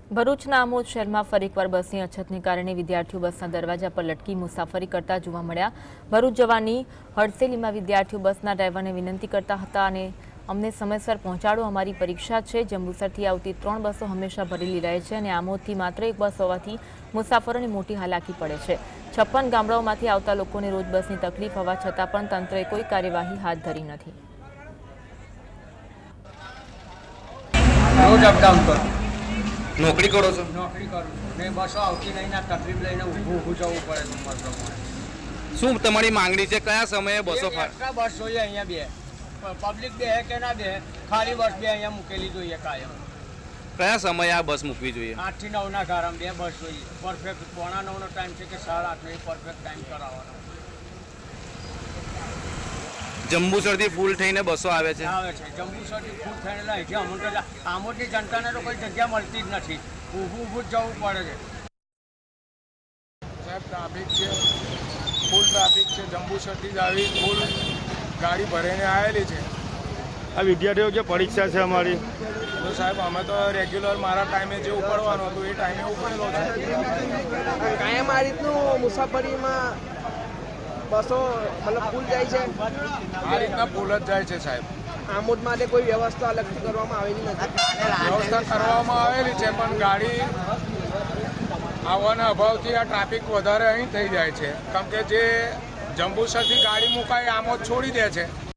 ભરૂચના આમોદ શહેરમાં ફરી એકવાર બસની અછતને કારણે વિદ્યાર્થીઓ બસના દરવાજા પર લટકી મુસાફરી કરતા જોવા મળ્યા। ભરૂચ જવાની હડસેલીમાં વિદ્યાર્થીઓ બસના ડ્રાઈવરને વિનંતી કરતા હતા અને અમને સમયસર પહોંચાડો, અમારી પરીક્ષા છે। જંબુસરથી આવતી 3 બસો હંમેશા ભરેલી રહે છે અને આમોદથી માત્ર એક બસ હોવાથી મુસાફરોને મોટી હાલાકી પડે છે। 56 ગામડાઓમાંથી આવતા લોકોને રોજ બસની તકલીફ હોવા છતાં પણ તંત્રએ કોઈ કાર્યવાહી હાથ ધરી નથી। નોકરી કરો છો? નોકરી કરું છું ને બસો આવતી નહીં ના તકલીફ લઈને ઊભું જવું પડે નંબર પ્રમાણે। શું તમારી માંગણી છે? કયા સમયે બસો એક્સ્ટ્રા બસ જોઈએ અહીંયા બે પબ્લિક બે કે ના બે ખાલી બસ બે અહીંયા મૂકેલી જોઈએ કાયમ। કયા સમયે આ બસ મૂકવી જોઈએ? 8 થી 9 ના ગારામાં બે બસ જોઈએ પરફેક્ટ। 8:45 નો ટાઈમ છે કે 8:30 નો પરફેક્ટ ટાઈમ કરાવવાનો। જંબુસરથી ફૂલ થઈને બસો આવે છે? આવે છે જંબુસરથી ફૂલ થઈને લાય છે અમુક આમોદની જનતાને તો કોઈ જગ્યા મળતી જ નથી, ઊભું જ જવું પડે છે। સાહેબ ટ્રાફિક છે, ફૂલ ટ્રાફિક છે। જંબુસરથી જ આવી ફૂલ ગાડી ભરીને આવેલી છે। આ વિદ્યાર્થીઓ જે પરીક્ષા છે અમારી, તો સાહેબ અમે તો રેગ્યુલર મારા ટાઈમે જે ઉપડવાનું હતું એ ટાઈમે ઉપડેલો છે। કાયમ આ રીતનું મુસાફરીમાં બસો મતલબ ફૂલ જાય છે? આ રીતના ફૂલ જ જાય છે સાહેબ। આમોદ માટે કોઈ વ્યવસ્થા અલગથી કરવામાં આવેલી નથી? વ્યવસ્થા કરવામાં આવેલી છે પણ ગાડી આવવાના અભાવથી આ ટ્રાફિક વધારે અહીં થઈ જાય છે, કેમ કે જે જંબુસરથી ગાડી મુકાય આમોદ છોડી દે છે